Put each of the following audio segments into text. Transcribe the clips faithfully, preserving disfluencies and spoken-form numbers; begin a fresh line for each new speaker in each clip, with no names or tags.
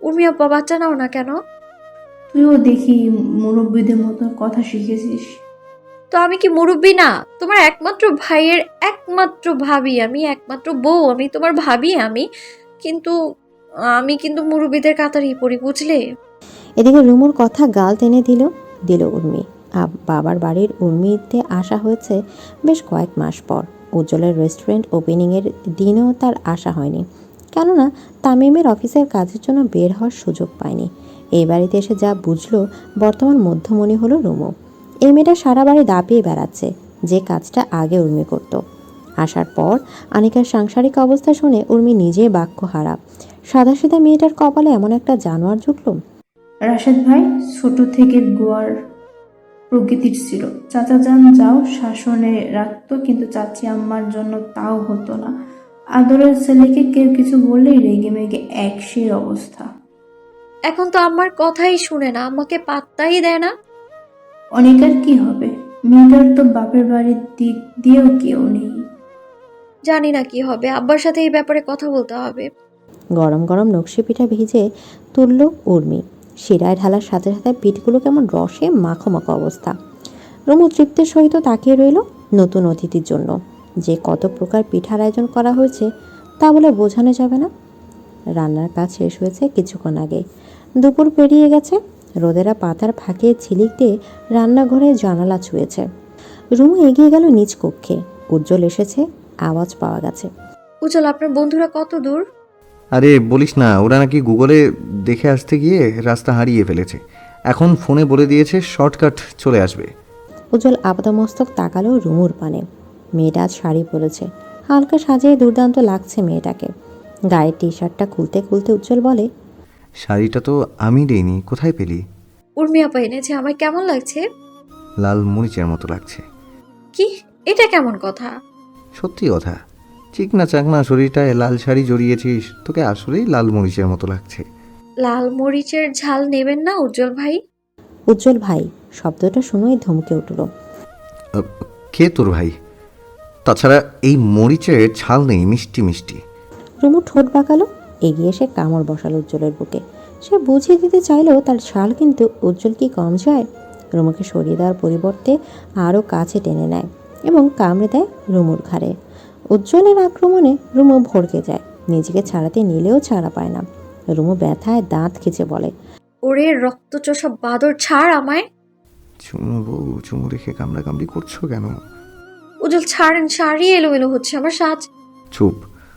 উর্মি আপা বাচ্চা নাও না কেন?
তুইও দেখি মুরব্বীদের মতো কথা শিখেছিস।
তো আমি কি মুরব্বি না? তোমার একমাত্র ভাইয়ের একমাত্র ভাবি আমি, একমাত্র বউ আমি, তোমার ভাবি আমি। কিন্তু আমি কিন্তু মুরব্বিদের কাতারেই পড়ি, বুঝলে?
এদিকে রুমুর কথা গাল টেনে দিল দিল উর্মি। আব বাবার বাড়ির উর্মিতে আসা হয়েছে বেশ কয়েক মাস পর। উজ্জ্বলের রেস্টুরেন্ট ওপেনিংয়ের দিনেও তার আসা হয়নি, কেননা তামিমের অফিসের কাজের জন্য বের হওয়ার সুযোগ পায়নি। এই বাড়িতে এসে যা বুঝলো, বর্তমান মধ্যমণি হলো রুমু। এই মেয়েটা সারা বাড়ি দাপিয়ে বেড়াচ্ছে, যে কাজটা আগে উর্মি করত। আসার পর আনিকার সাংসারিক অবস্থা শুনে উর্মি নিজেই বাক্য হারা। সাদাসিধা মেয়েটার কপালে এমন একটা জানোয়ার জুটল।
রাশেদ ভাই ছোট থেকে গোয়ার প্রকৃতির ছিল। চাচা যান যাও শাসনে রাখতো, কিন্তু চাচি আম্মার জন্য তাও হতো না। আদরের ছেলেকে কেউ কিছু বললেই রেগে মেগে একশের অবস্থা।
এখন তো আমার কথাই শুনে না, আমাকে পাত্তাই দেয় না।
অনিকার কি হবে? মেয়েটার তো বাপের বাড়ির দিক দিয়েও কেউ নেই।
জানি না কি হবে, আব্বার সাথে এই ব্যাপারে কথা বলতে হবে।
গরম গরম নকশি পিঠা ভিজে তুলল উর্মি। শিরায় ঢালার সাথে সাথে পিঠগুলো কেমন রসে মাখো মাখো অবস্থা। রুমু তৃপ্তির সহিত তাকিয়ে রইল নতুন অতিথির জন্য। যে কত প্রকার পিঠার আয়োজন করা হয়েছে তা বলে বোঝানো যাবে না। রান্নার কাজ শেষ হয়েছে কিছুক্ষণ আগে। দুপুর পেরিয়ে গেছে। রোদেরা পাতার ফাঁকে ঝিলিক দিয়ে রান্নাঘরে জানালা ছুঁয়েছে। রুমু এগিয়ে গেল নিজ কক্ষে। উজ্জ্বল এসেছে, আওয়াজ পাওয়া গেছে।
উজ্জ্বল, আপনার বন্ধুরা কত দূর?
আরে বলিস না, ওরা নাকি গুগলে দেখে আসতে গিয়ে রাস্তা হারিয়ে ফেলেছে। এখন ফোনে বলে দিয়েছে শর্টকাট চলে আসবে।
উজ্জ্বল আপাদমস্তক তাকালো রুমুর পানে। মেয়েটা আজ শাড়ি পরেছে, হালকা সাজিয়ে দুর্দান্ত লাগছে মেয়েটাকে। গায়ের টি শার্টটা খুলতে খুলতে উজ্জ্বল বলে,
শাড়িটা তো আমি দেইনি, কোথায় পেলি?
উর্মি আপা এনেছে, আমার কেমন লাগছে?
লাল মরিচের মতো লাগছে।
কি? এটা কেমন কথা?
সত্যি কথা, চিকনা চাকনা শরীরটায় লাল শাড়ি জড়িয়েছিস, তোকে আসলেই লাল মরিচের মতো লাগছে।
লাল মরিচের ঝাল নেবেন না উজ্জ্বল ভাই?
উজ্জ্বল ভাই শব্দটা শুনেই ধমকে উঠল।
আহ, কে তোর ভাই? তাছাড়া এই মরিচের ঝাল নেই, মিষ্টি মিষ্টি।
রুমু ঠোঁট বাঁকালো, এগিয়ে এসে কামড় বসালো উজ্জ্বলের বুকে। সে বুঝিয়ে দিতে চাইলেও তার শাল কিন্তু উজ্জ্বল কি কম যায়। রুমুকে সরিয়ে দেওয়ার পরিবর্তে আরও কাছে টেনে নেয় এবং কামড়ে দেয় রুমুর ঘাড়ে। উজ্জ্বলের আক্রমণে রুমু ভড়কে যায়, নিজেকে ছাড়াতে নিলেও ছাড়া পায় না। রুমু ব্যথায় দাঁত খিচে বলে,
ওরে রক্তচোষা বাদর, ছাড় আমায়।
চুমু বউ, চুমু রেখে কামড়া কামড়ি করছো কেন?
উজ্জ্বল ছাড়েন, শাড়ি এলোমেলো হচ্ছে আমার সাজ।
চুপ।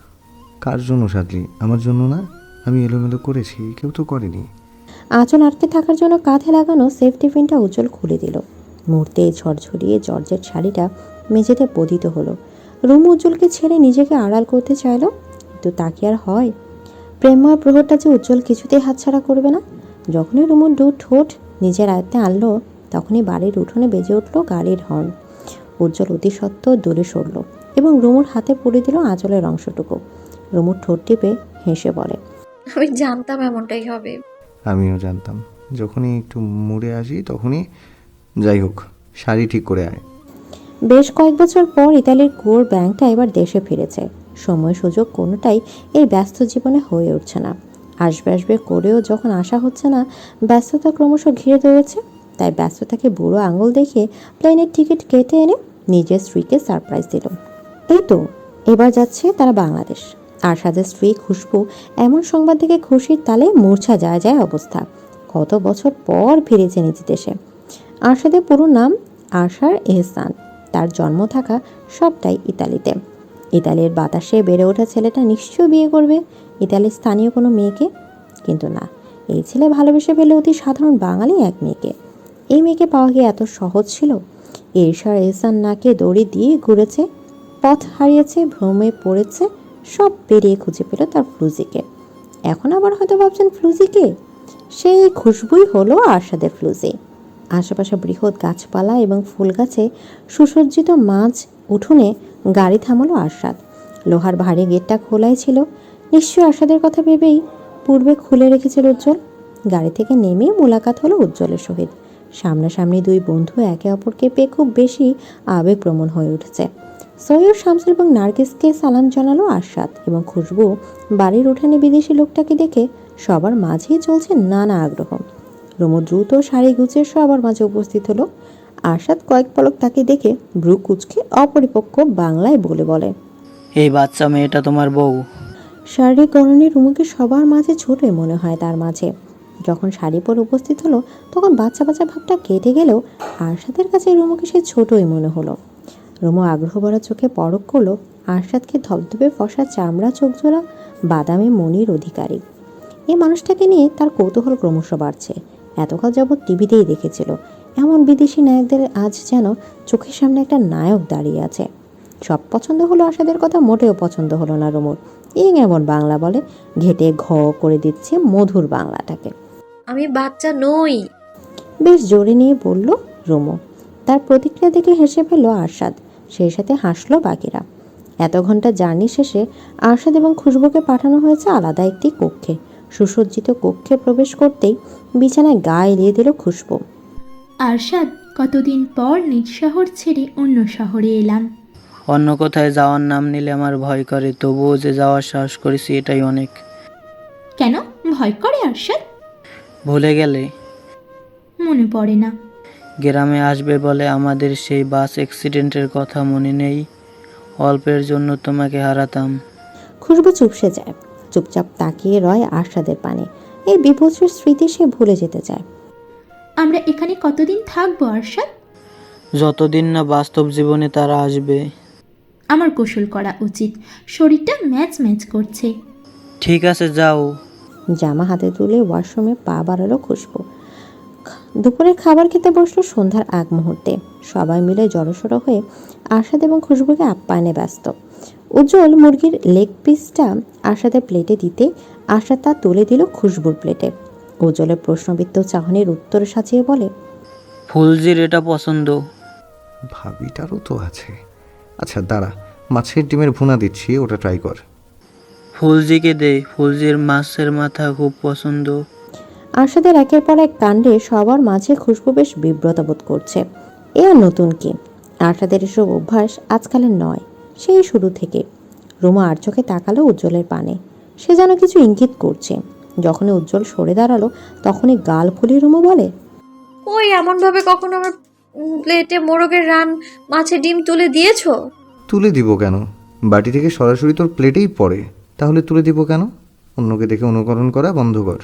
কার জন্য সাজলি? আমার জন্য না। আমি এলোমেলো করেছি? কেউ তো করেনি।
আঁচল আটকে থাকার জন্য কাঁধে লাগানো সেফটি পিনটা উজ্জ্বল খুলে দিল। মুহূর্তে ঝরঝরিয়ে জর্জেট শাড়িটা মেঝেতে পতিত হলো। রুমু উজ্জ্বলকে ছেড়ে নিজেকে আড়াল করতে চাইল, কিন্তু তা কি আর হয়? প্রেমময় প্রহরটা যে উজ্জ্বল কিছুতেই হাতছাড়া করবে না। যখনই রুমুর দু ঠোঁট নিজের আয়ত্তে আনলো, তখনই বাড়ির উঠোনে বেজে উঠল গাড়ির হর্ন। উজ্জ্বল অতি সত্ত্বর দূরে সরল এবং রুমুর হাতে পড়ে দিল আঁচলের অংশটুকু। রুমুর ঠোঁট টিপে হেসে বলে,
আমি জানতাম এমনটাই হবে।
আমিও জানতাম। যখনই একটু মুড়ে আসি তখনই। যাই হোক, শাড়ি ঠিক করে আয়।
বেশ কয়েক বছর পর ইতালির কোর ব্যাংকটা এবার দেশে ফিরেছে। সময় সুযোগ কোনোটাই এই ব্যস্ত জীবনে হয়ে উঠছে না। আসবে আসবে করেও যখন আসা হচ্ছে না, ব্যস্ততা ক্রমশ ঘিরে ধরেছে। তাই ব্যস্ততাকে বুড়ো আঙুল দেখিয়ে প্লেনের টিকিট কেটে এনে নিজের স্ত্রীকে সারপ্রাইজ দিল। এই তো এবার যাচ্ছে তারা বাংলাদেশ। আরশাদের স্ত্রী খুশবু এমন সংবাদ থেকে খুশির তালে মূর্ছা যায় যায় অবস্থা। কত বছর পর ফিরেছে নিজ দেশে। আরশাদের পুরো নাম আরশার এহসান। তার জন্ম থাকা সবটাই ইতালিতে। ইতালির বাতাসে বেড়ে ওঠা ছেলেটা নিশ্চয়ই বিয়ে করবে ইতালির স্থানীয় কোনো মেয়েকে। কিন্তু না, এই ছেলে ভালোবেসে ফেলে অতি সাধারণ বাঙালি এক মেয়েকে। এই মেয়েকে পাওয়া কি এত সহজ ছিল? এরশার এহসান নাকে দড়ি দিয়ে ঘুরেছে, পথ হারিয়েছে, ভ্রমে পড়েছে, সব পেরিয়ে খুঁজে পেল তার ফ্লুজিকে। এখন আবার হয়তো ভাবছেন ফ্লুজিকে? সেই খুশবুই হলো আরশাদের ফ্লুজি। আশেপাশে বৃহৎ গাছপালা এবং ফুল গাছে সুসজ্জিত মাঝ উঠোনে গাড়ি থামালো আরশাদ। লোহার ভারী গেটটা খোলাই ছিল। নিশ্চয়ই আরশাদের কথা ভেবেই পূর্বে খুলে রেখেছিল উজ্জ্বল। গাড়ি থেকে নেমে মোলাকাত হলো উজ্জ্বলের সহিত। সামনাসামনি দুই বন্ধু একে অপরকে পেয়ে খুব বেশি আবেগপ্রবণ হয়ে উঠেছে। সৈয়দ শামসুল এবং নার্গিসকে সালাম জানালো আরশাদ এবং খুশবু বাড়ির উঠানে বিদেশি লোকটাকে দেখে সবার মাঝেই চলছে নানা আগ্রহ। রুমু দ্রুত শাড়ি গুছিয়ে সবার মাঝে উপস্থিত হলো। আরশাদ কয়েক পলক তাকে দেখে ভ্রু কুচকে অপরিপক্ক বাংলায় বলে বলে,
এই বাচ্চা মেয়েটা তোমার বউ?
শারীরিক গড়নে রুমুকে সবার মাঝে ছোটই মনে হয় তার মাঝে। যখন শাড়ি পরে উপস্থিত হলো তখন বাচ্চা বাচ্চা ভাবটা কেটে গেলেও আরশাদের কাছে রুমুকে সে ছোটই মনে হলো। রুমু আগ্রহ ভরা চোখে পরখ করলো আরশাদকে ধবধবে ফসা চামড়া চোখজোড়া বাদামি মনির অধিকারী। এই মানুষটাকে নিয়ে তার কৌতূহল ক্রমশ বাড়ছে। এতকাল যাবৎ টিভিতেই দেখেছিল, এমন বিদেশি নায়কদের আজ যেন চোখের সামনে একটা নায়ক দাঁড়িয়ে আছে। সব পছন্দ হলো আরশাদের, কথা মোটেও পছন্দ হলো না রুমুর। এই এমন বাংলা বলে, ঘেটে ঘ করে দিচ্ছে মধুর বাংলাটাকে।
আমি বাচ্চা নই।
বেশ জোরে নিয়ে বলল রুমু। তার প্রতিক্রিয়া দেখে হেসে ফেলল আরশাদ, সেই সাথে হাসলো বাকিরা। এত ঘন্টা জার্নি শেষে আরশাদ এবং খুশবুকে পাঠানো হয়েছে আলাদা একটি কক্ষে। সুসজ্জিত কক্ষে প্রবেশ করতেই বিছানায় গা এলিয়ে দিল খুশবু।
আরশাদ, কতদিন পর নিজ শহর ছেড়ে অন্য শহরে এলাম।
অন্য কোথায় যাওয়ার নাম নিলে আমার ভয় করে, তবুও যে যাওয়ার সাহস করেছি এটাই অনেক।
কেন ভয় করে আরশাদ?
ভুলে গেলে?
মনে পড়ে না।
গ্রামে আসবে বলে আমাদের সেই বাস অ্যাক্সিডেন্টের কথা মনে নেই? অল্পের জন্য তোমাকে হারাতাম।
খুশবু চুপসে যায়, চুপচাপ তাকিয়ে রয় আরশাদের পানে। এই বিভৎসের স্মৃতি সে ভুলে যেতে চায়।
আমরা এখানে কতদিন থাকবো আরশাদ?
যতদিন না বাস্তব জীবনে তারা আসবে।
আমার গোসল করা উচিত, শরীরটা ম্যাচ ম্যাচ করছে।
ঠিক আছে, যাও।
জামা হাতে তুলে ওয়াশরুমে পা বাড়ালো খুশবু। দুপুরের খাবার খেতে বসলো সন্ধ্যার আগ মুহূর্তে। সবাই মিলে জড়সড়ো হয়ে আরশাদ এবং খুশবুকে আপ্যায়নে ব্যস্ত। উজ্জ্বল মুরগির লেগ পিসটা আরশাদের প্লেটে দিতে আরশাদ তা তুলে দিল খুশবুর প্লেটে। উজ্জ্বলের প্রশ্নবিদ্ধ চাহনির উত্তর সাজিয়ে বলে,
ফুলজির এটা পছন্দ।
ভাবিটারও তো আছে। আচ্ছা দাঁড়া, মাছের ডিমের ভুনা দিচ্ছি, ওটা ট্রাই কর।
ফুলজিকে দে, ফুলজির মাছের মাথা খুব পছন্দ।
আরশাদের একের পর এক কাণ্ডে সবার মাঝে খুশবু বেশ বিব্রত বোধ করছে। এ আর নতুন কি? আরশাদের এসব অভ্যাস আজকালের নয়, সেই শুরু থেকে। রুমা আর চোখে তাকালো উজ্জ্বলের পানে, সে যেন কিছু ইঙ্গিত করছে। যখনই উজ্জ্বল সরে দাঁড়ালো তখনই গাল ফুলিয়ে রুমা বলে,
ওই এমনভাবে কখনো আমার প্লেটে মোরগের রান মাছের ডিম তুলে দিয়েছো?
তুলে দিব কেন? বাটি থেকে সরাসরি তোর প্লেটেই পড়ে, তাহলে তুলে দিব কেন? অন্যকে দেখে অনুকরণ করা বন্ধ কর।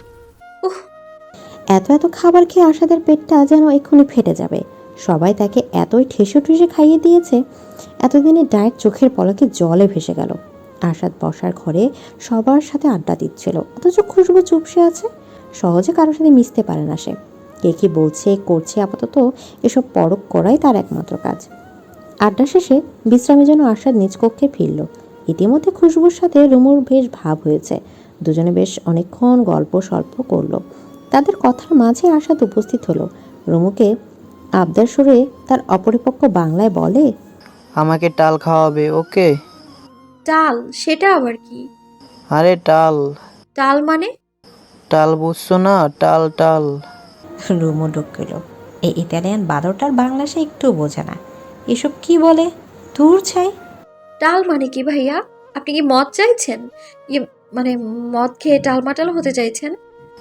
এত এত খাবার খেয়ে আরশাদের পেটটা যেন এক্ষুনি ফেটে যাবে। সবাই তাকে এতই ঠেসে ঠুসে খাইয়ে দিয়েছে, এতদিনে ডায়েট চোখের পলকে জলে ভেসে গেল। আরশাদ বসার ঘরে সবার সাথে আড্ডা দিচ্ছিল, অথচ খুশবু চুপসে আছে। সহজে কারোর সাথে মিশতে পারে না সে। কে কি বলছে করছে, আপাতত এসব পরখ করাই তার একমাত্র কাজ। আড্ডা শেষে বিশ্রামের জন্য আরশাদ নিজ কক্ষে ফিরল। ইতিমধ্যে খুশবুর সাথে রুমুর বেশ ভাব হয়েছে। দুজনে বেশ অনেকক্ষণ গল্প সল্প করলো। তাদের কথার মাঝে আরশাদ উপস্থিত হলো। রুমুকে আবদার সুরে তার অপরিপক্ক বাংলায় বলে,
আমাকে টাল খাওয়াবে, ওকে?
ডাল? সেটা আবার কি?
আরে টাল।
ডাল মানে?
টাল বুঝছো না? টাল টাল।
রুমু ঢুকল। এই ইতালিয়ান বাদরটার বাংলা সে একটু বোঝে না। এসব কি বলে? দূর ছাই।
ডাল মানে কি ভাইয়া? আপনি কি মদ চাইছেন? ইয়ে মানে মদ খেয়ে টালমাটাল হতে চাইছেন?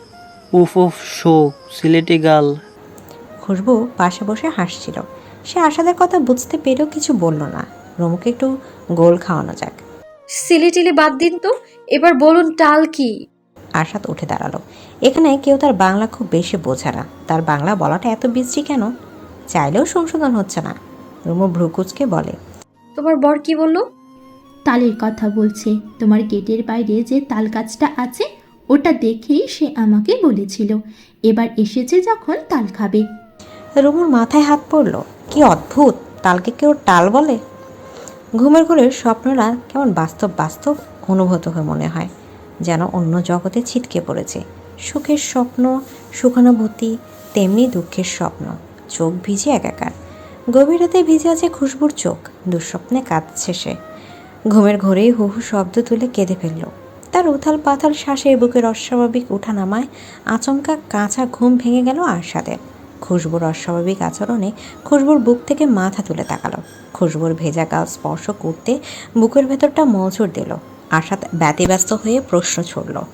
উফ উফ শো, সিলেটি গাল।
খুশবু পাশে বসে হাসছিল। সে আশাদের কথা বুঝতে পেরেও কিছু বলল না। রুমুকে একটু গোল খাওয়ানো যাক।
সিলেটিলি বাদ দিন তো, এবার বলুন টাল কি?
আশাদ উঠে দাঁড়ালো। এখানে কেউ তার বাংলা খুব বেশি বোঝে না। তার বাংলা বলাটা এত বিশ্রী কেন? চাইলেও সংশোধন হচ্ছে না। রুমু ভ্রুকুচকে বলে,
তোমার বর কি বললো?
তালের কথা বলছে। তোমার গেটের বাইরে যে তাল গাছটা আছে ওটা দেখেই সে আমাকে বলেছিল এবার এসেছে যখন তাল খাবে।
রুমুর মাথায় হাত পড়ল। কি অদ্ভুত, তালকে কেউ টাল বলে? ঘুমের ঘোরের স্বপ্নরা কেমন বাস্তব বাস্তব অনুভূত হয়ে মনে হয়, যেন অন্য জগতে ছিটকে পড়েছে। সুখের স্বপ্ন, সুখানুভূতি, তেমনি দুঃখের স্বপ্ন। চোখ ভিজে একাকার। গভীর রাতে ভিজে আছে খুশবুর চোখ। দুঃস্বপ্নে কাঁদছে সে। ঘুমের ঘোরেই হু হু শব্দ তুলে কেঁদে ফেলল। তার উথাল পাথাল শ্বাসে বুকের অস্বাভাবিক ওঠানামায় আচমকা কাঁচা ঘুম ভেঙে গেল আরশাদের। খুশবুর অস্বাভাবিক আচরণে খুশবুর বুক থেকে মাথা তুলে তাকালো। খুশবুর ভেজা গাল স্পর্শ করতে বুকের ভেতরটা মজুর দিল। আরশাদ ব্যতিব্যস্ত হয়ে প্রশ্ন ছুড়ল,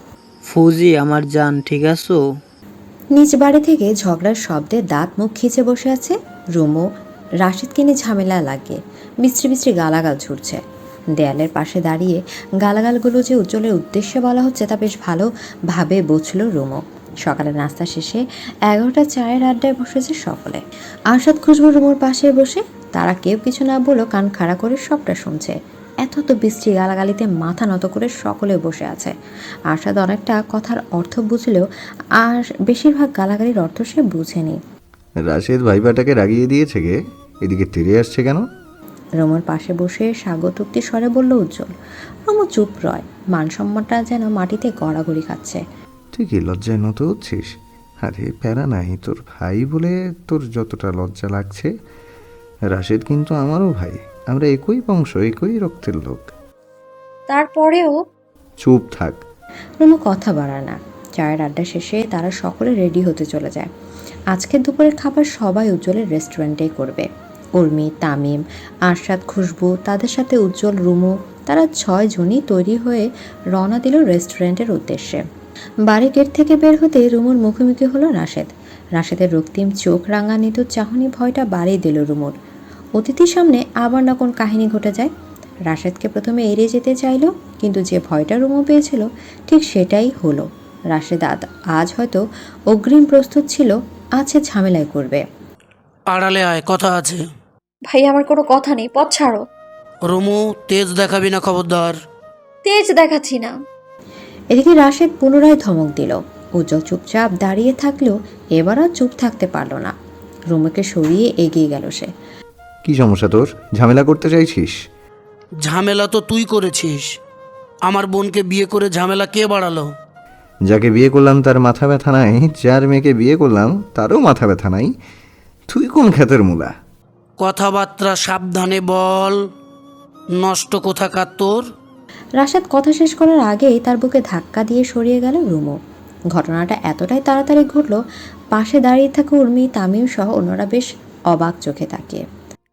ফৌজি আমার জান, ঠিক আছো?
নিজ বাড়ি থেকে ঝগড়ার শব্দে দাঁত মুখ খিচে বসে আছে রুমু। রাশিদকে নিয়ে ঝামেলা লাগে, মিস্ত্রি মিস্ত্রি গালাগাল ছুটছে। দেয়ালের পাশে দাঁড়িয়ে গালাগালগুলো যে উজ্জ্বলের উদ্দেশ্যে বলা হচ্ছে তা বেশ ভালোভাবে বুঝল রুমু। সকালের নাস্তা শেষে এগারোটা চায়ের আড্ডায় বসেছে সকলে। আরশাদ খুশবু রুমুর পাশে বসে, তারা কেউ কিছু না বলেও কান খাড়া করে সবটা শুনছে। এত তো বৃষ্টি গালাগালিতে মাথা নত করে সকলে বসে আছে। আরশাদ অনেকটা কথার অর্থ বুঝলেও আর বেশিরভাগ গালাগালির অর্থ সে বুঝেনি।
রাশেদ ভাইবাটাকে রাগিয়ে দিয়েছে গে, এদিকে তেড়ে আসছে কেন?
রুমুর পাশে বসে স্বাগতোক্তি স্বরে বলল উজ্জ্বল। রুমু চুপ রয়, মানসম্মানটা যেন মাটিতে গড়াগড়ি খাচ্ছে।
তুই কি লজ্জায় নত হচ্ছিস? আরে প্যারা নাই, তোর ভাই বলে তোর যতটা লজ্জা লাগছে, রাশেদ কিন্তু আমারও ভাই, আমরা একই বংশ, একই রক্তের লোক।
তারপরেও
চুপ থাক।
রুমু কথা বাড়ায় না। চায়ের আড্ডা শেষে তারা সকলে রেডি হতে চলে যায়। আজকের দুপুরের খাবার সবাই উজ্জ্বলের রেস্টুরেন্টেই করবে। উর্মি, তামিম, আরশাদ, খুশবু, তাদের সাথে উজ্জ্বল, রুমু, তারা ছয় জনই তৈরি হয়ে রওনা দিল রেস্টুরেন্টের উদ্দেশ্যে। বাড়ি গেট থেকে বের হতে রুমুর মুখোমুখি হলো রাশেদ। রাশেদের রক্তিম চোখ রাঙানিত চাহনি ভয়টা বাড়িয়ে দিল রুমুর। অতিথির সামনে আবার না কোন কাহিনী ঘটে যায়। রাশেদকে প্রথমে এড়িয়ে যেতে চাইল, কিন্তু যে ভয়টা রুমু পেয়েছিল ঠিক সেটাই হলো। রাশেদ আজ হয়তো অগ্রিম প্রস্তুত ছিল, আছে ঝামেলায় করবে।
আড়ালে আয়, কথা আছে।
ভাই আমার কোনো কথা নেই, পথ ছাড়ো।
রুমু, তেজ দেখাবি না, খবরদার।
তেজ দেখাচ্ছি না।
এদিকে রাশেদ পুনরায় ধমক দিল। উজ্জ্বল চুপচাপ দাঁড়িয়ে থাকলেও এবার আর চুপ থাকতে পারল না। রুমুকে সরিয়ে এগিয়ে গেল সে।
কি সমস্যা তোর? ঝামেলা করতে চাইছিস?
ঝামেলা তো তুই করেছিস। আমার বোনকে বিয়ে করে ঝামেলা কে বাড়ালো?
যাকে বিয়ে করলাম তার মাথা ব্যথা নাই, যার মেয়েকে বিয়ে করলাম তারও মাথা ব্যথা নাই। তুই কোন ক্ষেতের মূলা?
কথাবার্তা সাবধানে বল, নষ্ট কোথাকার তোর।
রাশেদ কথা শেষ করার আগেই তার বুকে ধাক্কা দিয়ে সরিয়ে গেল রুমু। ঘটনাটা এতটাই তাড়াতাড়ি ঘটল, পাশে দাঁড়িয়ে থাকা উর্মি, তামিম সহ অন্যরা বেশ অবাক চোখে তাকিয়ে।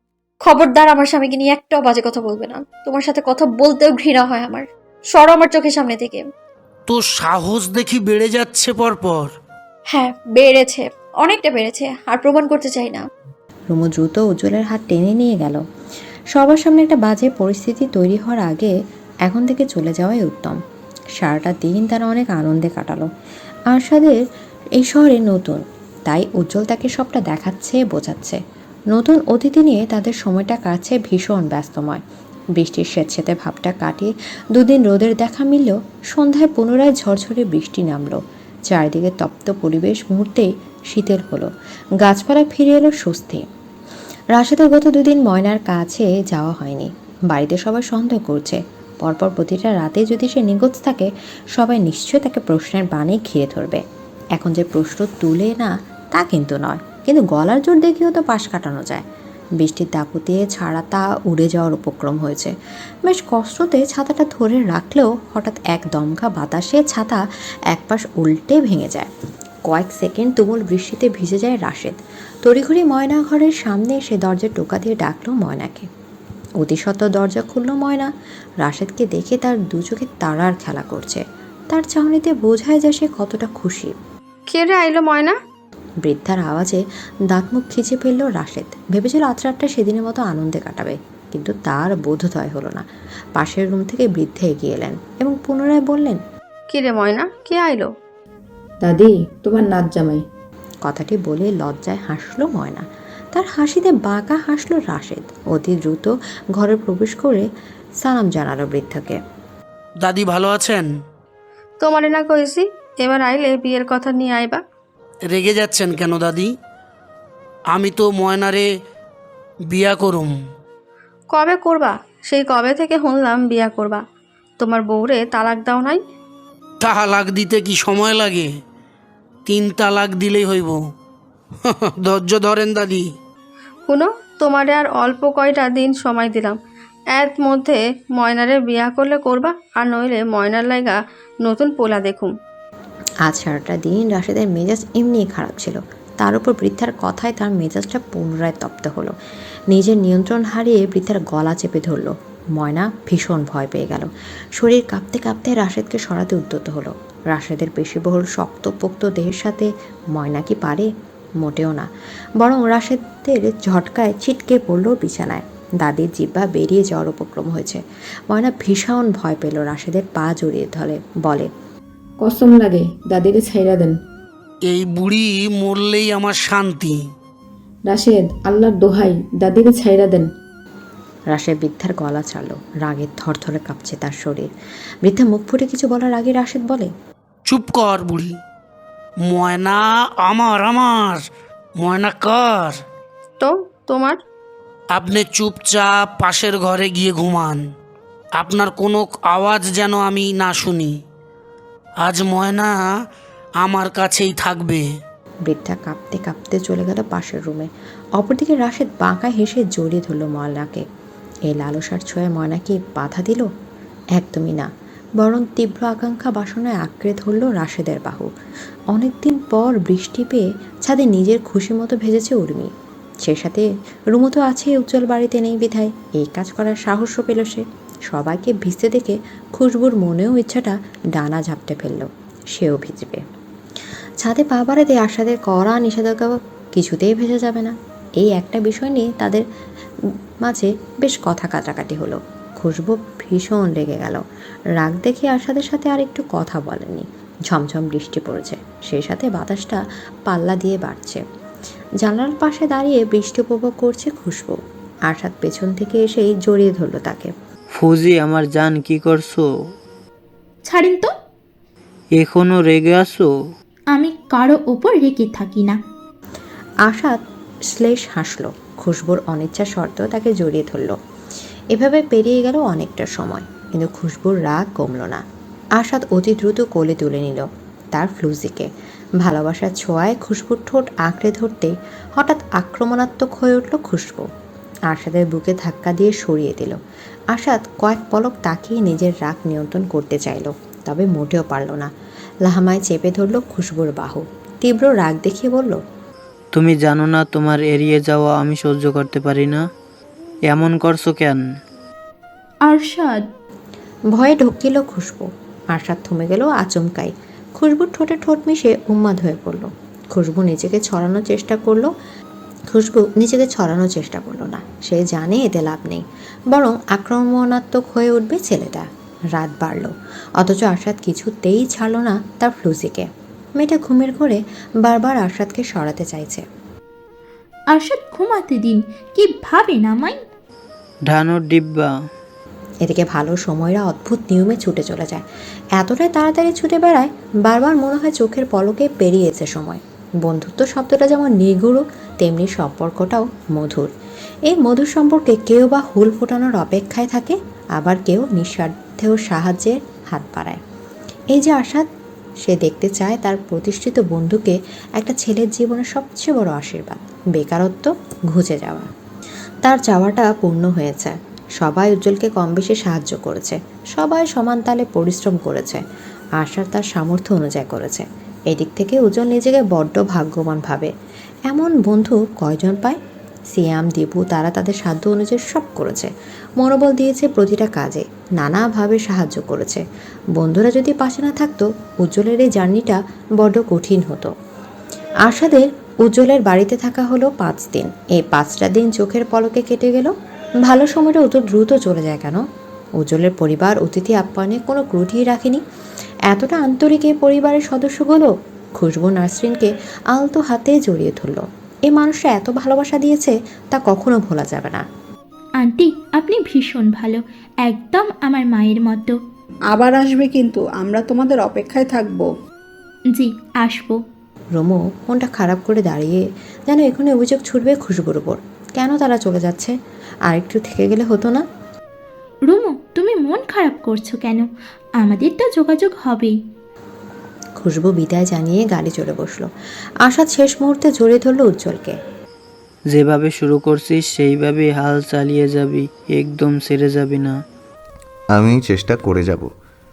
খবরদার আমার স্বামীকে নিয়ে একটাও বাজে কথা বলবে না। তোমার সাথে কথা বলতেও ঘৃণা হয় আমার। সরো আমার চোখের সামনে থেকে।
তোর সাহস দেখি বেড়ে যাচ্ছে পরপর।
হ্যাঁ, বেড়েছে, অনেকটা বেড়েছে, আর প্রমাণ করতে চাই না।
রুমু দ্রুত উজ্জ্বলের হাত টেনে নিয়ে গেল। সবার সামনে একটা বাজে পরিস্থিতি তৈরি হওয়ার আগে এখন থেকে চলে যাওয়াই উত্তম। সারাটা দিন তারা অনেক আনন্দে কাটালো। আরশাদের এই শহরে নতুন, তাই উজ্জ্বল তাকে সবটা দেখাচ্ছে, বোঝাচ্ছে। নতুন অতিথি নিয়ে তাদের সময়টা কাটছে ভীষণ ব্যস্তময়। বৃষ্টির স্বেচ্ছেতে ভাবটা কাটিয়ে দুদিন রোদের দেখা মিললেও সন্ধ্যায় পুনরায় ঝরঝরে বৃষ্টি নামলো। চারিদিকে তপ্ত পরিবেশ মুহূর্তেই শীতল হলো। গাছপালা ফিরে এলো স্বস্তি। রাশেদের গত দুদিন ময়নার কাছে যাওয়া হয়নি। বাড়িতে সবাই সন্দেহ করছে। পরপর প্রতিটা রাতে যদি সে নিখোঁজ থাকে, সবাই নিশ্চয় তাকে প্রশ্নের বাণে ঘিরে ধরবে। এখন যে প্রশ্ন তুলে না তা কিন্তু নয়, কিন্তু গলার জোর দেখিয়েও তো পাশ কাটানো যায়। বৃষ্টির দাপুতে ছাড়াটা উড়ে যাওয়ার উপক্রম হয়েছে। বেশ কষ্টতে ছাতাটা ধরে রাখলেও হঠাৎ এক দমকা বাতাসে ছাতা একপাশ উল্টে ভেঙে যায়। কয়েক সেকেন্ড তুমুল বৃষ্টিতে ভিজে যায় রাশেদ। তড়িঘড়ি ময়না ঘরের সামনে এসে দরজা টোকা দিয়ে ডাকলো ময়নাকে। অতিসত্ত্বর দরজা খুলল ময়না। রাশেদকে দেখে তার দু চোখে তারার খেলা করছে। তার চাহনিতে বোঝায় যে সে কতটা খুশি।
কে রে আইলো ময়না?
বৃদ্ধার আওয়াজে দাঁত মুখ খিচে ফেলল রাশেদ। ভেবেছিল আজ রাতটা সেদিনের মতো আনন্দে কাটাবে, কিন্তু তার বোধোদয় হলো না। পাশের রুম থেকে বৃদ্ধা এগিয়ে এলেন এবং পুনরায় বললেন,
কি রে ময়না, কে আইলো?
দাদি, তোমার নাচ জামাই।
কথাটি বলে লজ্জায় হাসলো ময়না। তার হাসিতে বাঁকা হাসলো রাশেদ। অতি দ্রুত ঘরে প্রবেশ করে সালাম জানালো বৃদ্ধাকে।
দাদি ভালো আছেন?
তোমারে না কইছি এবার আইলে বিয়ের কথা নিয়ে আইবা।
রেগে যাচ্ছেন কেন দাদি? আমি তো ময়নারে বিয়া করুম।
কবে করবা? সেই কবে থেকে শুনলাম বিয়া করবা। তোমার বউরে তালাক দাও নাই?
তালাক দিতে কি সময় লাগে? তিন তালাক দিলেই হইব। ধৈর্য ধরেন দাদি।
শুনো, তোমারে আর অল্প কয়টা দিন সময় দিলাম। এর মধ্যে ময়নারে বিয়া করলে করবা, আর নইলে ময়নার লাইগা নতুন পোলা দেখুম।
আজ সারাটা দিন রাশেদের মেজাজ এমনিই খারাপ ছিল। তার উপর বৃদ্ধার কথায় তার মেজাজটা পুনরায় তপ্ত হলো। নিজের নিয়ন্ত্রণ হারিয়ে বৃদ্ধার গলা চেপে ধরল। ময়না ভীষণ ভয় পেয়ে গেল। শরীর কাঁপতে কাঁপতে রাশেদকে সরাতে উদ্যত হলো। রাশেদের পেশিবহুল শক্তপোক্ত দেহের সাথে ময়না কি পারে? মোটেও না। বরং রাশেদের ঝটকায় ছিটকে পড়ল বিছানায়। দাদির জিহ্বা বেরিয়ে যাওয়ার উপক্রম হয়েছে। ময়না ভীষণ ভয় পেল, রাশেদের পা জড়িয়ে ধরে বলে,
কসম লাগে দাদিরে ছাইরা দেন।
এই বুড়ি মরলেই আমার শান্তি।
রাশেদ, আল্লাহর দোহাই, দাদিরে ছাইরা দেন।
রাশেদ বৃদ্ধার গলা ছাড়ল। রাগে থরথরে কাঁপছে তার শরীর। বৃদ্ধা মুখ ফুটে কিছু বলার আগে রাশেদ বলে,
চুপ কর বুড়ি। ময়না আমার, আমার ময়না কার?
তো তোমার?
আপনি চুপচাপ পাশের ঘরে গিয়ে ঘুমান। আপনার কোনো আওয়াজ যেন আমি না শুনি। আজ ময়না আমার কাছেই থাকবে।
বৃদ্ধা কাঁপতে কাঁপতে চলে গেল পাশের রুমে। অপরদিকে রাশেদ বাঁকা হেসে জড়িয়ে ধরল ময়নাকে। এই লালসার ছোঁয়ায় ময়না কি বাধা দিল? একদমই না। বরং তীব্র আকাঙ্ক্ষা বাসনায় আঁকড়ে ধরল রাশেদের বাহু। অনেকদিন পর বৃষ্টি পেয়ে ছাদে নিজের খুশি মতো ভেজেছে উর্মি। সে সাথে রুমো তো আছে, উজ্জ্বল বাড়িতে নেই বিধায় এই কাজ করার সাহসও পেল সে। সবাইকে ভিজতে দেখে খুশবুর মনেও ইচ্ছাটা ডানা ঝাপটে ফেলল, সেও ভিজবে। ছাদে পা বাড়াতে আশাদের কড়া নিষেধাজ্ঞা কিছুতেই ভেজে যাবে না, এই একটা বিষয় নিয়ে তাদের মাঝে বেশ কথা কাটাকাটি হলো। খুশবু ভীষণ রেগে গেল। রাগ দেখে আশাদের সাথে আর একটু কথা বলেনি। ঝমঝম বৃষ্টি পড়েছে, সেই সাথে বাতাসটা পাল্লা দিয়ে বাড়ছে। জানালার পাশে দাঁড়িয়ে বৃষ্টি উপভোগ করছে খুশবু। আশাদ পেছন থেকে এসেই জড়িয়ে ধরল তাকে।
ফুজি, আমার জান, কি করছো?
ছাড়েন তো।
এখনো রেগে আছো?
আমি কারো ওপর রেগে থাকি না।
আশাদ শ্লেষ হাসল। খুশবুর অনিচ্ছা সত্ত্বেও তাকে জড়িয়ে ধরল। এভাবে পেরিয়ে গেল অনেকটা সময়, কিন্তু খুশবুর রাগ কমল না। আশাদ অতি দ্রুত কোলে তুলে নিল তার ফ্লুজিকে। ভালোবাসার ছোঁয়ায় খুশবুর ঠোঁট আঁকড়ে ধরতেই হঠাৎ আক্রমণাত্মক হয়ে উঠল খুশবু। আশাদের বুকে ধাক্কা দিয়ে সরিয়ে দিল। আশাদ কয়েক পলক তাকিয়ে নিজের রাগ নিয়ন্ত্রণ করতে চাইল, তবে মোটেও পারল না। লাহামায় চেপে ধরল খুশবুর বাহু। তীব্র রাগ দেখিয়ে বলল,
তুমি জানো না তোমার এড়িয়ে যাওয়া আমি সহ্য করতে পারি না? এমন করছো কেন?
আরশাদ।
ভয়ে ঢুকিল খুশবু। আশাদ থমে গেল আচমকাই। খুশবুর ঠোঁটে ঠোঁট মিশে উন্মাদ হয়ে পড়ল। খুশবু নিজেকে ছড়ানোর চেষ্টা করলো খুশবু নিজেকে ছড়ানোর চেষ্টা করলো না। সে জানে এতে লাভ নেই, বরং আক্রমণাত্মক হয়ে উঠবে ছেলেটা। রাত বাড়ল, অথচ আশাদ কিছুতেই ছাড়ল না তার ফ্লুজিকে। মেয়েটা ঘুমের ঘরে বারবার আশাদকে সরাতে চাইছে।
আরশাদ ঘুমাতে দিন, কি ভাবেন আমায়?
ঢানোর ডিব্বা।
এদিকে ভালো সময়রা অদ্ভুত নিয়মে ছুটে চলে যায়। এতটাই তাড়াতাড়ি ছুটে বেড়ায়, বারবার মনে হয় চোখের পলকে পেরিয়েছে সময়। বন্ধুত্ব শব্দটা যেমন নিগুড়, তেমনি সম্পর্কটাও মধুর। এই মধুর সম্পর্কে কেউ বা হুল ফোটানোর অপেক্ষায় থাকে, আবার কেউ নিঃস্বার্থেও সাহায্যের হাত বাড়ায়। এই যে আশাদ, সে দেখতে চায় তার প্রতিষ্ঠিত বন্ধুকে একটা ছেলের জীবনের সবচেয়ে বড় আশীর্বাদ, বেকারত্ব ঘুচে যাওয়া। তার চাওয়াটা পূর্ণ হয়েছে। সবাই উজ্জ্বলকে কম বেশি সাহায্য করেছে, সবাই সমান তালে পরিশ্রম করেছে। আশার তার সামর্থ্য অনুযায়ী করেছে। এদিক থেকে উজ্জ্বল নিজেকে বড্ড ভাগ্যবান ভাবে। এমন বন্ধু কয়জন পায়? সিয়াম, দীপু, তারা তাদের সাধ্য অনুযায়ী সব করেছে, মনোবল দিয়েছে প্রতিটা কাজে, নানাভাবে সাহায্য করেছে। বন্ধুরা যদি পাশে না থাকতো, উজ্জ্বলের এই জার্নিটা বড্ড কঠিন হতো। আশাদের উজ্জ্বলের বাড়িতে থাকা হলো পাঁচ দিন। এই পাঁচটা দিন চোখের পলকে কেটে গেল। ভালো সময়টা অত দ্রুত চলে যায় কেন? উজ্জ্বলের পরিবার অতিথি আপ্যায়নে কোনো ত্রুটিই রাখেনি। এতটা আন্তরিক এই পরিবারের সদস্যগুলো খুশবু নাসরিনকে আলতো হাতে জড়িয়ে ধরল। এই মানুষটা এত ভালোবাসা দিয়েছে, তা কখনো ভোলা যাবে না।
আন্টি, আপনি ভীষণ ভালো, একদম আমার মায়ের মতো।
আবার আসবে কিন্তু, আমরা তোমাদের অপেক্ষায় থাকবো।
জি, আসবো।
রোমো মনটা খারাপ করে দাঁড়িয়ে যেন এখনই অভিযোগ ছুটবে খুশবুর উপর। কেন তারা চলে যাচ্ছে? আর একটু থেকে গেলে হতো না?
রুমু, তুমি মন খারাপ করছো কেন? আমাদের তো যোগাযোগ হবেই।
খুশবু বিদায় জানিয়ে গাড়ি চড়ে বসলো। আশাদ শেষ মুহূর্তে জড়িয়ে ধরল উজ্জ্বলকে।
যেভাবে শুরু করছিস সেইভাবেই হাল চালিয়ে যাবি, একদম ছেড়ে যাবি না।
আমি চেষ্টা করে যাব।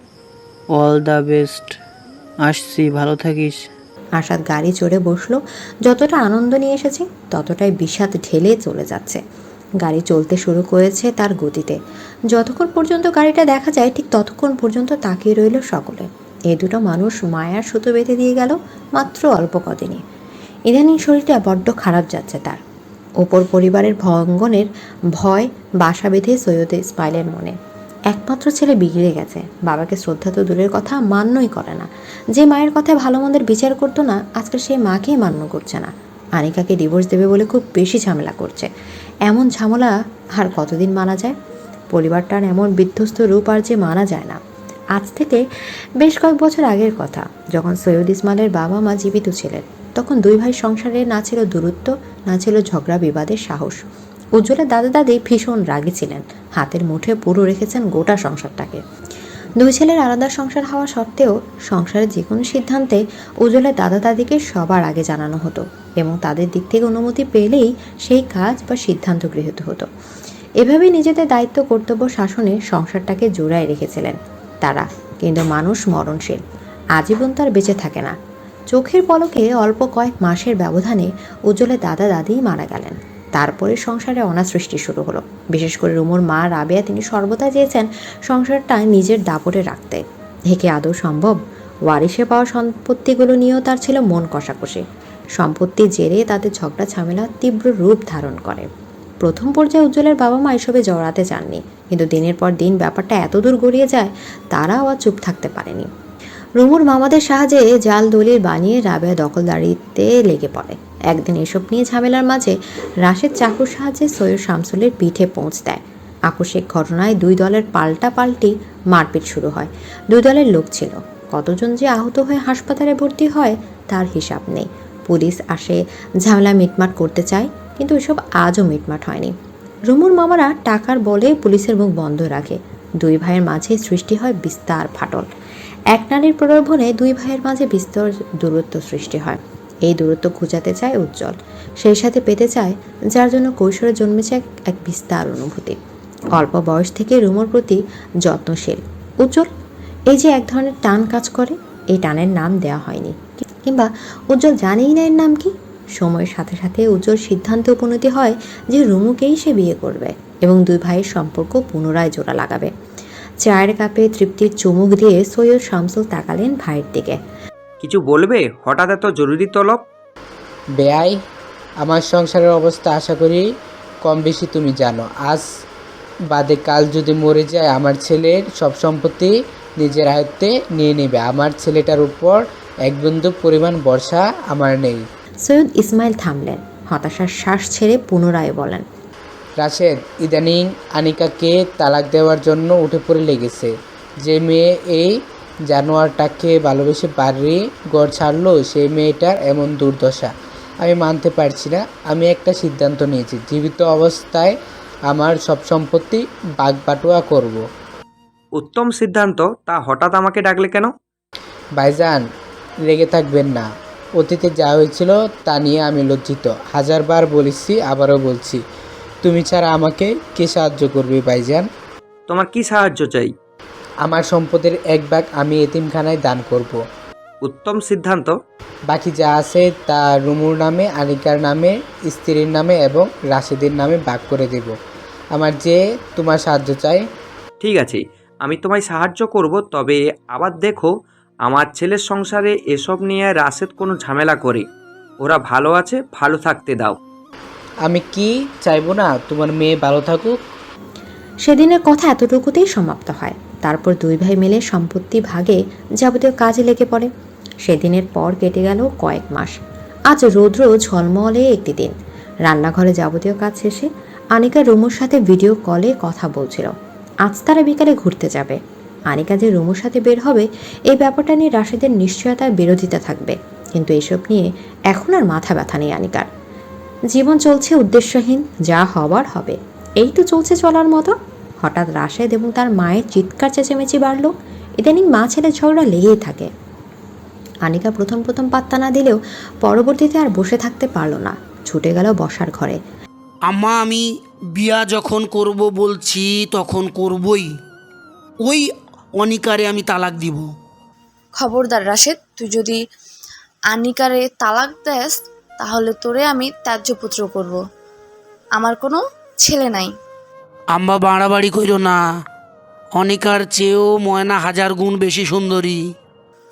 All the best. আসছি, ভালো থাকিস।
আশাদ গাড়ি চড়ে বসলো। যতটা আনন্দ নিয়ে এসেছে, ততটাই বিষাদ ঢেলে চলে যাচ্ছে। গাড়ি চলতে শুরু করেছে তার গতিতে। যতক্ষণ পর্যন্ত গাড়িটা দেখা যায়, ঠিক ততক্ষণ পর্যন্ত তাকিয়ে রইল সকলে। এই দুটো মানুষ মায়ার সুতো বেঁধে দিয়ে গেল মাত্র অল্প কদিনে। ইদানিং শরীরটা বড্ড খারাপ যাচ্ছে তার। ওপর পরিবারের ভঙ্গনের ভয় বাসা বেঁধে সৈয়দ ইসমাইলের মনে। একমাত্র ছেলে বিগড়ে গেছে, বাবাকে শ্রদ্ধা তো দূরের কথা মান্যই করে না। যে মায়ের কথায় ভালো মন্দের বিচার করতো না, আজকাল সেই মাকেই মান্য করছে না। আনিকাকে ডিভোর্স দেবে বলে খুব বেশি ঝামেলা করছে। এমন ঝামেলা আর কতদিন মানা যায়? পরিবারটার এমন বিধ্বস্ত রূপ আর যে মানা যায় না। আজ থেকে বেশ কয়েক বছর আগের কথা, যখন সৈয়দ ইসমাইলের বাবা মা জীবিত ছিলেন, তখন দুই ভাই সংসারে না ছিল দূরত্ব, না ছিল ঝগড়া বিবাদের সাহস। উজ্জ্বলের দাদা দাদি ভীষণ রাগী ছিলেন, হাতের মুঠে পুরো রেখেছেন গোটা সংসারটাকে। দুই ছেলের আলাদা সংসার হওয়া সত্ত্বেও সংসারের যে কোনো সিদ্ধান্তে উজ্জ্বলের দাদা দাদিকে সবার আগে জানানো হতো এবং তাদের দিক থেকে অনুমতি পেলেই সেই কাজ বা সিদ্ধান্ত গৃহীত হতো। এভাবেই নিজেদের দায়িত্ব কর্তব্য শাসনে সংসারটাকে জোড়ায় রেখেছিলেন তারা। কিন্তু মানুষ মরণশীল, আজীবন তার বেঁচে থাকে না। চোখের পলকে অল্প কয়েক মাসের ব্যবধানে উজ্জ্বলের দাদা দাদিই মারা গেলেন। তারপরে সংসারে অনাসৃষ্টি শুরু হলো। বিশেষ করে রুমুর মা রাবেয়া, তিনি সর্বদা চেয়েছেন সংসারটা নিজের দাপটে রাখতে। একে আদৌ সম্ভব? ওয়ারিশে পাওয়া সম্পত্তিগুলো নিয়েও তার ছিল মন কষাকষি। সম্পত্তির জেরে তাদের ঝগড়া ঝামেলা তীব্র রূপ ধারণ করে। প্রথম পর্যায়ে উজ্জ্বলের বাবা মা এসবে জড়াতে চাননি, কিন্তু দিনের পর দিন ব্যাপারটা এত দূর গড়িয়ে যায় তারাও আর চুপ থাকতে পারেনি। রুমুর মামাদের সাহায্যে জাল দলিল বানিয়ে রাবেয়া দখলদারিতে লেগে পড়ে। একদিন এসব নিয়ে ঝামেলার মাঝে রাশেদ চাকুর সাহায্যে সৈয়দ শামসুলের পিঠে পৌঁছ দেয়। আকস্মিক ঘটনায় দুই দলের পাল্টা পাল্টি মারপিট শুরু হয়। দুই দলের লোক ছিল, কতজন যে আহত হয়ে হাসপাতালে ভর্তি হয় তার হিসাব নেই। পুলিশ আসে, ঝামেলা মিটমাট করতে চায়, কিন্তু এসব আজও মিটমাট হয়নি। রুমুর মামারা টাকার বলে পুলিশের মুখ বন্ধ রাখে। দুই ভাইয়ের মাঝে সৃষ্টি হয় বিস্তার ফাটল। এক নারীর প্রলোভনে দুই ভাইয়ের মাঝে বিস্তর দূরত্ব সৃষ্টি হয়। এই দূরত্ব ঘুচাতে চায় উজ্জ্বল, সেই সাথে পেতে চায় যার জন্য কৈশোরে জন্মেছে এক এক বিস্তার অনুভূতি। অল্প বয়স থেকে রুমুর প্রতি যত্নশীল উজ্জ্বল। এই যে এক ধরনের টান কাজ করে, এই টানের নাম দেওয়া হয়নি, কিংবা উজ্জ্বল জানেই না এর নাম কি। সময়ের সাথে সাথে উজ্জ্বল সিদ্ধান্তে উপনীত হয় যে রুমুকেই সে বিয়ে করবে এবং দুই ভাইয়ের সম্পর্ক পুনরায় জোড়া লাগাবে। চায়ের কাপে তৃপ্তির চুমুক দিয়ে সৈয়দ শামসুল তাকালেন ভাইয়ের দিকে।
কিছু বলবে? হঠাৎ এত জরুরি তলব?
বেয়াই, আমার সংসারের অবস্থা আশা করি কম বেশি তুমি জানো। আজ বাদে কাল যদি মরে যায়, আমার ছেলের সব সম্পত্তি নিজের আয়ত্তে নিয়ে নেবে। আমার ছেলেটার উপর এক বিন্দু পরিমাণ ভরসা আমার নেই।
সৈয়দ ইসমাইল থামলেন, হতাশার শ্বাস ছেড়ে পুনরায় বলেন,
রাশেদ ইদানিং আনিকাকে তালাক দেওয়ার জন্য উঠে পড়ে লেগেছে। যে মেয়ে এই জানোয়ারটাকে ভালোবেসে বাড়ি ঘর ছাড়লো, সেই মেয়েটার এমন দুর্দশা আমি মানতে পারছি না। আমি একটা সিদ্ধান্ত নিয়েছি, জীবিত অবস্থায় আমার সব সম্পত্তি বাগবাটোয়া করব।
উত্তম সিদ্ধান্ত। তা হঠাৎ আমাকে ডাকলে কেন?
ভাইজান, রেগে থাকবেন না। অতীতে যা হয়েছিল তা নিয়ে আমি লজ্জিত। হাজারবার বলেছি, আবারও বলছি, তুমি ছাড়া আমাকে কে সাহায্য করবে ভাইজান?
তোমার কি সাহায্য চাই?
আমার সম্পদের এক ভাগ আমি এতিমখানায় দান করব।
উত্তম সিদ্ধান্ত।
বাকি যা আছে তা রুমুর নামে, আনিকার নামে, স্ত্রীর নামে এবং রাশেদের নামে ভাগ করে দেব। আমার যে তোমার সাহায্য চাই।
ঠিক আছে, আমি তোমায় সাহায্য করব, তবে আবার দেখো আমার ছেলের সংসারে এসব নিয়ে রাশেদ কোনো ঝামেলা করে। ওরা ভালো আছে, ভালো থাকতে দাও।
আমি কি চাইবো না তোমার মেয়ে ভালো থাকুক?
সেদিনের কথা এতটুকুতেই সমাপ্ত হয়। তারপর দুই ভাই মিলে সম্পত্তি ভাগে যাবতীয় কাজে লেগে পড়ে। সেদিনের পর কেটে গেল কয়েক মাস। আজ রৌদ্র ঝলমলে একটি দিন। রান্নাঘরে যাবতীয় কাজ শেষে আনিকা রুমুর সাথে ভিডিও কলে কথা বলছিল। আজ তারা বিকালে ঘুরতে যাবে। আনিকা যে রুমুর সাথে বের হবে, এই ব্যাপারটা নিয়ে রাশেদের নিশ্চয়তার বিরোধিতা থাকবে, কিন্তু এসব নিয়ে এখন আর মাথা ব্যথা নেই আনিকার। জীবন চলছে উদ্দেশ্যহীন, যা হবার হবে, এই তো চলছে চলার মতো। হঠাৎ রাশেদ এবং তার মায়ের চিৎকার চেঁচামেচি বাড়ল। ইদানিং মা ছেলে ঝগড়া লেগেই থাকে। আনিকা প্রথম প্রথম পাত্তা না দিলেও পরবর্তীতে আর বসে থাকতে পারল না, ছুটে গেল বসার ঘরে।
আম্মা, আমি বিয়া যখন করব বলছি তখন করবই। ওই অনিকারে আমি তালাক দিব।
খবরদার রাশেদ, তুই যদি আনিকারে তালাক দেস তাহলে তোরে আমি ত্যায্যপুত্র করব। আমার কোনো ছেলে নাই।
আম্মা, বাড়াবাড়ি কইরো না। অনিকার চেয়েও ময়না হাজার গুণ বেশি সুন্দরী।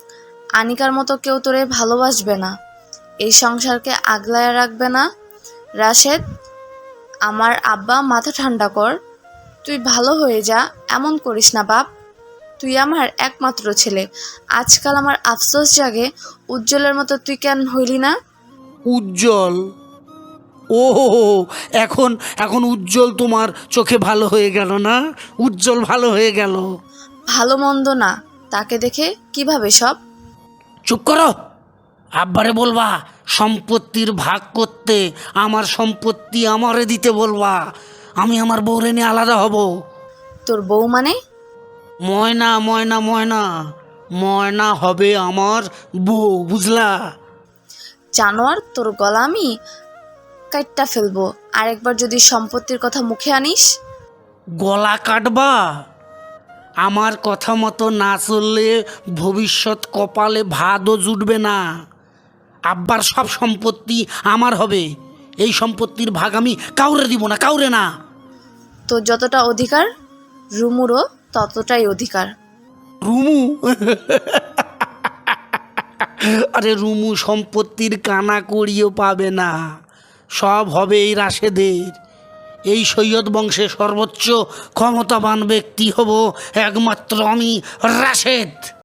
আনিকার মতো কেউ তোরে ভালোবাসবে না, এই সংসারকে আগলায় রাখবে না। রাশেদ, আমার আব্বা, মাথা ঠান্ডা কর, তুই ভালো হয়ে যা, এমন করিস না বাপ। তুই আমার একমাত্র ছেলে, আজকাল আমার আফসোস জাগে উজ্জ্বলের মতো তুই কেন হইলি না?
উজ্জ্বল? ও এখন এখন উজ্জ্বল তোমার চোখে ভালো হয়ে গেল না? উজ্জ্বল ভালো হয়ে গেল?
ভালো মন্দ না, তাকে দেখে কিভাবে সব।
চুপ করো, আব্বারে বলবা সম্পত্তির ভাগ করতে, আমার সম্পত্তি আমারে দিতে বলবা, আমি আমার বউরে নিয়ে আলাদা হব।
তোর বউ মানে?
ময়না ময়না ময়না ময়না হবে আমার বউ, বুঝলা?
জানোয়ার, তোর গলা আমি কাটটা ফেলবো আরেকবার যদি সম্পত্তির কথা মুখে আনিস।
গলা কাটবা? আমার কথা মতো না চললে ভবিষ্যৎ কপালে ভাতও জুটবে না। আব্বার সব সম্পত্তি আমার হবে, এই সম্পত্তির ভাগ আমি কাউরে দিব না, কাউরে না।
তোর যতটা অধিকার রুমুরও ততটাই অধিকার।
রুমু? আরে রুমু সম্পত্তির কানা করিও পাবে না, সব হবে এই রাশেদের। এই সৈয়দ বংশে সর্বোচ্চ ক্ষমতাবান ব্যক্তি হব একমাত্র আমি, রাশেদ।